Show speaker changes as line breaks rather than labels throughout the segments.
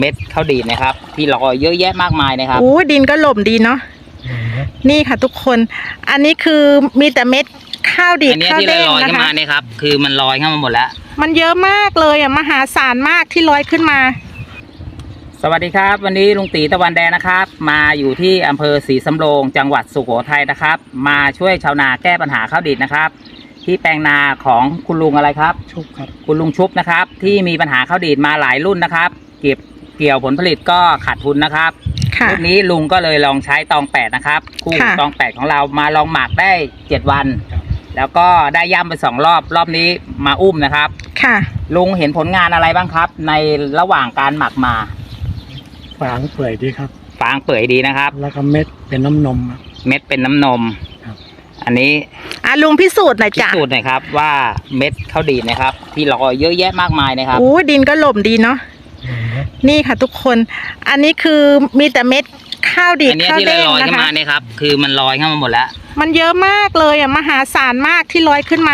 เม็ดข้าวดีดนะครับที่ลอยเยอะแยะมากมายนะครับ
โอ้ดินก็หล่มดีเนาะนี่ค่ะทุกคนอันนี้คือมีแต่เม็ดข้าวดีดข้าวเด้งนะคะอันนี้ที่ลอยขึ้นมาเนี่ยครับคือมันลอยขึ้นมาหมดแล้วมันเยอะมากเลยอ่ะมหาศาลมากที่ลอยขึ้นมา
สวัสดีครับวันนี้ลุงตีตะวันแดงนะครับมาอยู่ที่อำเภอศรีสำโรงจังหวัดสุโขทัยนะครับมาช่วยชาวนาแก้ปัญหาข้าวดีดนะครับที่แปลงนาของคุณลุงอะไรครับ
ชุบครับ
คุณลุงชุบนะครับที่มีปัญหาข้าวดีดมาหลายรุ่นนะครับเกี่ยวผลผลิตก็ขาดทุนนะครับรุ่นนี้ลุงก็เลยลองใช้ตอง8นะครับคู่ตอง8ของเรามาลองหมักได้7วันแล้วก็ได้ย่ำไป2รอบนี้มาอุ้มนะครับ
ค่ะ
ลุงเห็นผลงานอะไรบ้างครับในระหว่างการหมักมา
ฟางเปื่อยดีครับ
ฟางเปื่อยดีนะครับ
แล้วก็เม็ดเป็นน้ำนม
เม็ดเป็นน้ำนมอันนี้
ลุงพิสูจน์หน่อยจ้ะ
พิสูจน์หน่อยครับว่าเม็ดข้าวดีดนะครับที่ลอยเยอะแยะมากมายนะครับ
โอ้ดินก็หล่มดีเนาะนี่ค่ะทุกคนอันนี้คือมีแต่เม็ดข้าวดีดข้าวเด้งนะคะอันนี้ที่ลอยขึ้นมาเนี่ยครับคือมันลอยขึ้นมาหมดแล้วมันเยอะมากเลยอ่ะมหาศาลมากที่ลอยขึ้นมา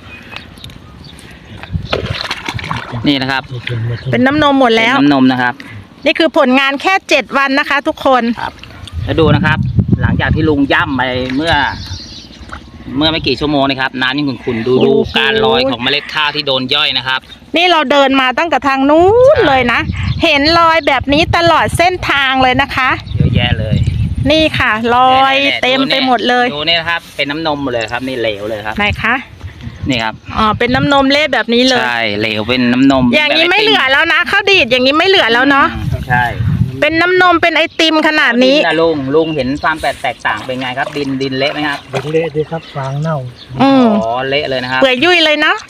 นี่นะครับ
เป็นน้ำนมหมดแล้ว
น้ำนมนะครับ
นี่คือผลงานแค่7วันนะคะทุกคน
ครับแล้วดูนะครับหลังจากที่ลุงย่ำไปเมื่อไม่กี่ชั่วโมงนะครับน้ำยังขุ่นๆดูการลอยของเมล็ดข้าวที่โดนย่อยนะครับ
นี่เราเดินมาตั้งแต่ทางนู้นเลยนะเห็นรอยแบบนี้ตลอดเส้นทางเลยนะคะ
เยอะแยะเลย
นี่ค่ะรอยเต็มไปหมดเลย
ดูนี่นะครับเป็นน้ำนมหมดเลยครับนี่เหลวเลยครับ
ไหนคะ
นี่ครับ
เป็นน้ำนมเละแบบนี้เลย
ใช่เหลวเป็นน้ำนม
อย่างนี้ไม่เหลือแล้วนะข้าวดีดอย่างนี้ไม่เหลือแล้วเนาะ
ใช่
เป็นน้ำนมเป็นไอติมขนาดนี้
ลุงเห็นความแตกต่างเป็นไงครับดินเละไหมครับ
ดินเละดีครับฟางเน่า
เละเลยนะครับ
เปื่อยยุ่ยเลยเนาะ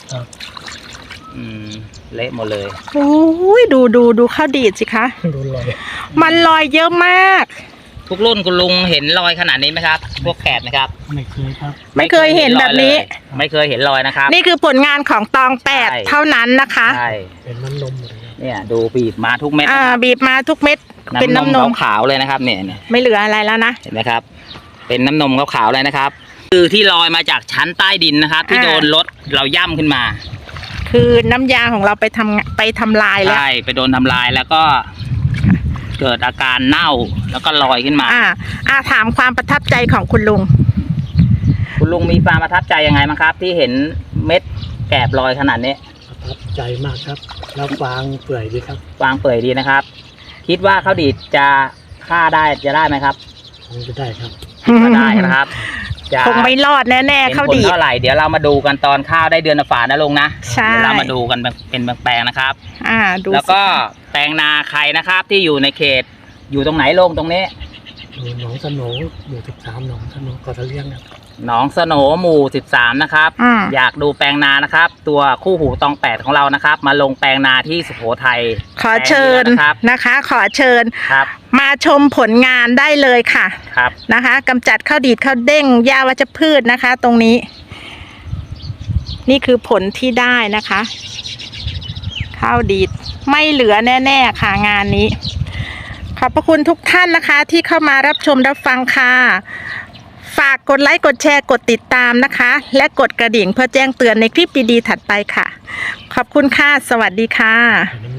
เละหมดเลย
โอ้ยดูข้าวดีดสิคะ
ดูลอย
มันลอยเยอะมาก
ทุกรุ่นคุณลุงเห็นรอยขนาดนี้ไหมครับพวกแกะนะครับ
ไม่เคยครับ
ไม่เคยเห็นแบบนี้
ไม่เคยเห็นรอยนะครับ
นี่คือผลงานของตอง8เท่านั้นนะคะ
ใช่
เป็นน้ำนมเลย
เนี่ยดูบีบมาทุกเม็ด
บีบมาทุกเม็ดเป็นน้ำนม
ขาวเลยนะครับเนี่ย
ไม่เหลืออะไรแล้วนะ
เห็นไหมครับเป็นน้ำนมขาวเลยนะครับคือที่ลอยมาจากชั้นใต้ดินนะครับที่โดนรถเราย่ำขึ้นมา
คือน้ำยาของเราไปทำลายแล้ว
ใช่ไปโดนทำลายแล้วก็เกิดอาการเน่าแล้วก็ลอยขึ้นมา
ถามความประทับใจของคุณลุง
มีความประทับใจยังไงบ้างครับที่เห็นเม็ดแกบลอยขนาดนี้
ประทับใจมากครับแล้วฟางเปื่อยดีครับ
ฟางเปื่อยดีนะครับคิดว่าข้าวดีดจะฆ่าได้จะได้ไหมครับ
คงจะได้ครับ
ก็ได้นะครับ
คงไม่รอดแน่ๆข้าวดีด
เท่าไหร่เดี๋ยวเรามาดูกันตอนข้าวได้เดือนฝานะลุงนะ
ใช่
เดี๋ยวเรามาดูกันเป็นแปลงๆนะครับ
ดู
แล้วก็แปลงนาใครนะครับที่อยู่ในเขตอยู่ตรงไหนลงตรงนี้
หนองสโหนหมู่13หนองสโหนก็จะเลี้ยงครับ
หนองสโหนหมู่13นะครับอยากดูแปลงนานะครับตัวคู่หูตอง8ของเรานะครับมาลงแปลงนาที่สุโขทัย
ขอเชิญนะคะขอเชิญมาชมผลงานได้เลยค่ะนะคะกำจัดข้าวดีดข้าวเด้งหญ้าวัชพืชนะคะตรงนี้นี่คือผลที่ได้นะคะข้าวดีดไม่เหลือแน่ๆค่ะงานนี้ขอบพระคุณทุกท่านนะคะที่เข้ามารับชมรับฟังค่ะฝากกดไลค์กดแชร์กดติดตามนะคะและกดกระดิ่งเพื่อแจ้งเตือนในคลิปดีๆถัดไปค่ะขอบคุณค่ะสวัสดีค่ะ